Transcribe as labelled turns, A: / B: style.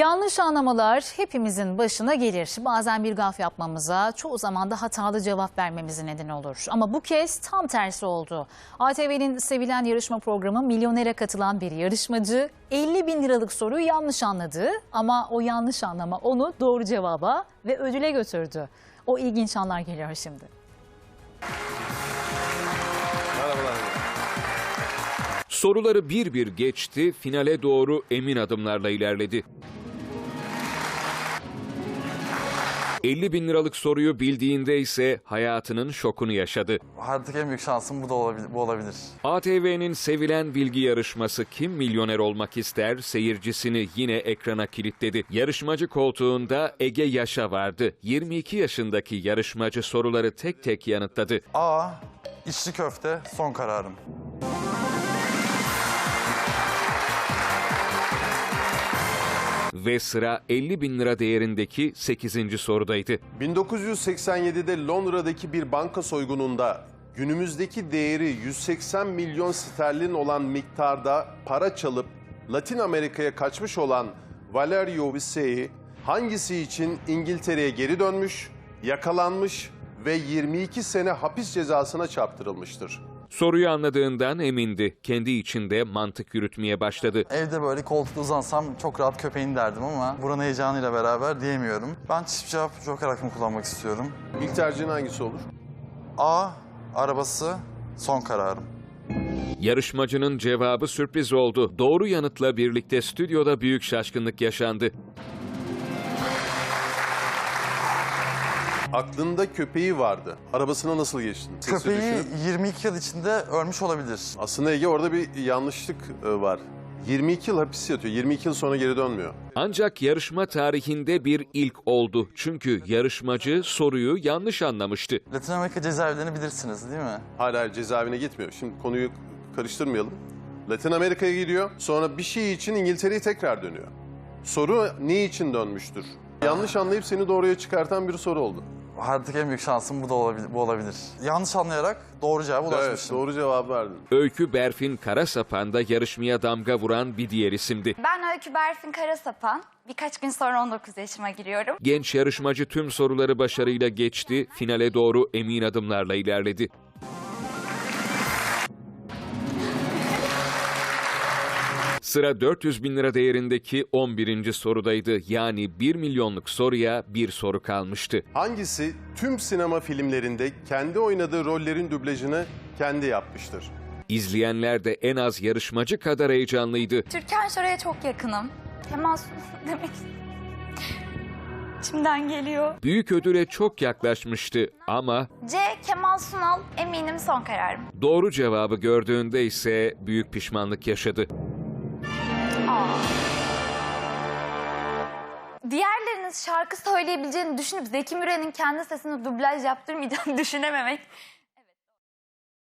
A: Yanlış anlamalar hepimizin başına gelir. Bazen bir gaf yapmamıza, çoğu zaman da hatalı cevap vermemize neden olur. Ama bu kez tam tersi oldu. ATV'nin sevilen yarışma programı Milyoner'e katılan bir yarışmacı 50 bin liralık soruyu yanlış anladı. Ama o yanlış anlama onu doğru cevaba ve ödüle götürdü. O ilginç anlar geliyor şimdi.
B: Soruları bir bir geçti, finale doğru emin adımlarla ilerledi. 50 bin liralık soruyu bildiğinde ise hayatının şokunu yaşadı.
C: Hayattaki en büyük şansım bu olabilir.
B: ATV'nin sevilen bilgi yarışması Kim Milyoner Olmak İster seyircisini yine ekrana kilitledi. Yarışmacı koltuğunda Ege Yaşa vardı. 22 yaşındaki yarışmacı soruları tek tek yanıtladı.
C: A. İçli köfte son kararım.
B: Ve sıra 50 bin lira değerindeki 8. sorudaydı.
D: 1987'de Londra'daki bir banka soygununda günümüzdeki değeri 180 milyon sterlin olan miktarda para çalıp Latin Amerika'ya kaçmış olan Valerio Visey hangisi için İngiltere'ye geri dönmüş, yakalanmış ve 22 sene hapis cezasına çarptırılmıştır?
B: Soruyu anladığından emindi. Kendi içinde mantık yürütmeye başladı.
C: Evde böyle koltukta uzansam çok rahat köpeğin derdim ama buranın heyecanıyla beraber diyemiyorum. Ben çift cevap joker hakkımı kullanmak istiyorum.
D: İlk tercihin hangisi olur?
C: A. Arabası son kararım.
B: Yarışmacının cevabı sürpriz oldu. Doğru yanıtla birlikte stüdyoda büyük şaşkınlık yaşandı.
D: Aklında köpeği vardı. Arabasına nasıl geçtin? Sesi
C: Köpeği
D: düşünüp-
C: 22 yıl içinde ölmüş olabilir.
D: Aslında Ege orada bir yanlışlık var. 22 yıl hapis yatıyor. 22 yıl sonra geri dönmüyor.
B: Ancak yarışma tarihinde bir ilk oldu. Çünkü yarışmacı soruyu yanlış anlamıştı.
C: Latin Amerika cezaevlerini bilirsiniz değil mi?
D: Hala cezaevine gitmiyor. Şimdi konuyu karıştırmayalım. Latin Amerika'ya gidiyor. Sonra bir şey için İngiltere'ye tekrar dönüyor. Soru ne için dönmüştür? Yanlış anlayıp seni doğruya çıkartan bir soru oldu.
C: Hayattaki en büyük şansım bu olabilir. Yanlış anlayarak doğru cevaba
D: Evet,
C: ulaşmışım.
D: doğru cevap verdin.
B: Öykü Berfin Karasapan da yarışmaya damga vuran bir diğer isimdi.
E: Ben Öykü Berfin Karasapan. Birkaç gün sonra 19 yaşıma giriyorum.
B: Genç yarışmacı tüm soruları başarıyla geçti, finale doğru emin adımlarla ilerledi. Sıra 400 bin lira değerindeki 11. sorudaydı. Yani 1 milyonluk soruya bir soru kalmıştı.
D: Hangisi tüm sinema filmlerinde kendi oynadığı rollerin dublajını kendi yapmıştır?
B: İzleyenler de en az yarışmacı kadar heyecanlıydı.
E: Türkan Şoray'a çok yakınım. Kemal Sunal demek İçimden geliyor.
B: Büyük ödüle çok yaklaşmıştı ama
E: C. Kemal Sunal eminim son kararım.
B: doğru cevabı gördüğünde ise büyük pişmanlık yaşadı.
E: Diğerlerinin şarkı söyleyebileceğini düşünüp Zeki Müren'in kendi sesini dublaj yaptırmayacağını düşünememek